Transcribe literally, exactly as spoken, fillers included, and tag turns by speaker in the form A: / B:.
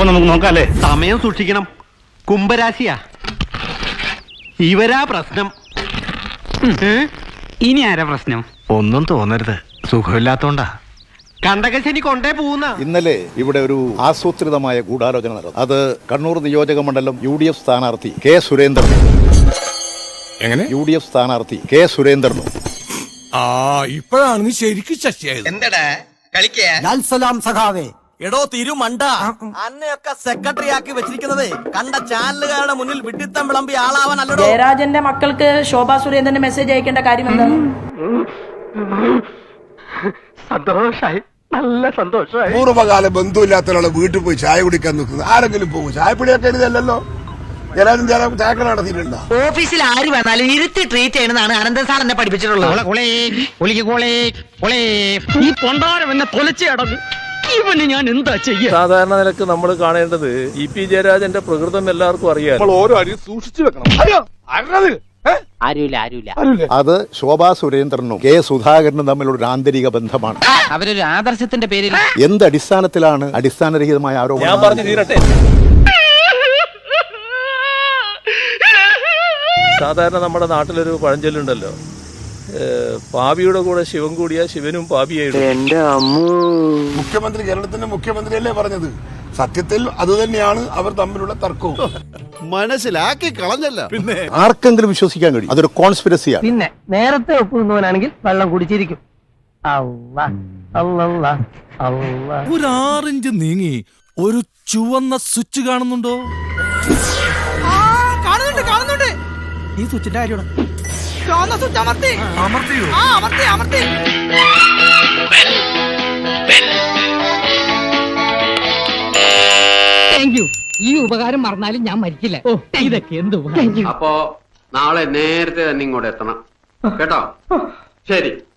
A: അപ്പൊ നമുക്ക് നോക്കാല്ലേ?
B: സമയം സൂക്ഷിക്കണം. കുംഭരാശിയാ ഇവരാ പ്രശ്നം.
C: ഇനി ആരാ പ്രശ്നം?
D: ഒന്നും തോന്നരുത്, സുഖമില്ലാത്തോണ്ടാ.
B: കണ്ടകശനി കൊണ്ടേ പോകുന്ന.
E: ഇന്നലെ ഇവിടെ ഒരു ആസൂത്രിതമായ ഗൂഢാലോചന നടന്നു. അത് കണ്ണൂർ നിയോജക മണ്ഡലം യു ഡി എഫ് സ്ഥാനാർത്ഥി കെ സുരേന്ദ്രനും
F: എങ്ങനെ
E: യു ഡി എഫ് സ്ഥാനാർത്ഥി കെ സുരേന്ദ്രനും
F: ആ ഇപ്പോഴാണ് നീ ശരിക്കും ശശിയായത്.
G: എന്തടാ കളിക്കലാം സഖാവേ. എടോ തിരുമണ്ട, അന്നയൊക്കെ സെക്രട്ടറി ആക്കി വെച്ചിരിക്കുന്നത് കണ്ട ചാനലുകാരുടെ മുന്നിൽ വിഡിത്തം വിളമ്പി ആളാവാൻ അല്ലടോ.
H: ജയരാജന്റെ മക്കൾക്ക് ശോഭാ സുരേന്ദ്രന് മെസ്സേജ് അയക്കേണ്ട കാര്യം എന്താണ്?
B: സന്തോഷായി, നല്ല സന്തോഷമായി.
F: പൂർവ്വകാല ബന്ധുവില്ലാത്ത ഒരാളെ വീട്ടിൽ പോയി ചായ കുടിക്കാൻ നിൽക്കുന്നത് ആരെങ്കിലും പോകും? ചായപ്പൊടിയൊക്കെ എഴുതല്ലോ. ജനാലും ജനം ചായക്കട നടത്തിയിട്ടുണ്ടോ?
G: ഓഫീസിൽ ആര് വന്നാലും ഇരുത്തി ട്രീറ്റ് ചെയ്യണമെന്നാണ് അനന്തൻ സാർ എന്നെ പഠിപ്പിച്ചിട്ടുള്ളത്.
C: ഈ പൊണ്ടാരം എന്നെ തൊലച്ചേ അടങ്ങും. ഇവന് ഞാൻ എന്താ ചെയ്യാ?
I: സാധാരണ നിലക്ക് നമ്മൾ കാണേണ്ടത് ഇ പി ജയരാജന്റെ പ്രകൃതം എല്ലാവർക്കും അറിയാം.
F: ഓരോ അരി സൂക്ഷിച്ചു വെക്കണം.
C: ആരുമില്ല ആരുമില്ല.
E: അത് ശോഭാ സുരേന്ദ്രനും കെ സുധാകരനും തമ്മിലുള്ള ഒരു ആന്തരിക ബന്ധമാണ്.
C: അവരൊരു ആദർശത്തിന്റെ പേരിൽ
E: എന്ത് അടിസ്ഥാനത്തിലാണ് അടിസ്ഥാനരഹിതമായ
I: ഞാൻ
E: ആരോപണം?
I: പറഞ്ഞു തീരട്ടെ. സാധാരണ നമ്മുടെ നാട്ടിലൊരു പഴഞ്ചൊല്ലുണ്ടല്ലോ, പാപിയുടെ കൂടെ ശിവൻ കൂടിയ ശിവനും പാപിയായിട്ട്.
G: എന്റെ അമ്മൂ,
F: മുഖ്യമന്ത്രി കേരളത്തിന്റെ മുഖ്യമന്ത്രിയല്ലേ പറഞ്ഞത്? സത്യത്തിൽ അതുതന്നെയാണ് അവർ തമ്മിലുള്ള തർക്കവും.
D: മനസ്സിലാക്കി കളഞ്ഞല്ല.
F: പിന്നെ
E: ആർക്കെങ്കിലും വിശ്വസിക്കാൻ കഴിയും അതൊരു കോൺസ്പിരസിയാണ്?
C: പിന്നെ നേരത്തെ ഒപ്പുന്നവനാണെങ്കിൽ വെള്ളം കുടിച്ചിരിക്കും.
F: ഒരു ആറിഞ്ച് നീങ്ങി ഒരു ചുവന്ന സ്വിച്ച് കാണുന്നുണ്ടോ?
G: കാണുന്നുണ്ട് കാണുന്നുണ്ട്.
C: ഈ സ്വിച്ചിന്റെ കാര്യമാണ്.
G: ചുവന്ന സ്വിച്ച് അമർത്തി.
F: അമർത്തിയോ?
G: ആ അമർത്തി അമർത്തി.
C: Thank you. ഈ ഉപകാരം മറന്നാലും ഞാൻ മരിക്കില്ല. ഓ ഇതൊക്കെ എന്ത് ഉപകാരം.
J: അപ്പോ നാളെ നേരത്തെ തന്നെ ഇങ്ങോട്ട് എത്തണം കേട്ടോ. ശരി.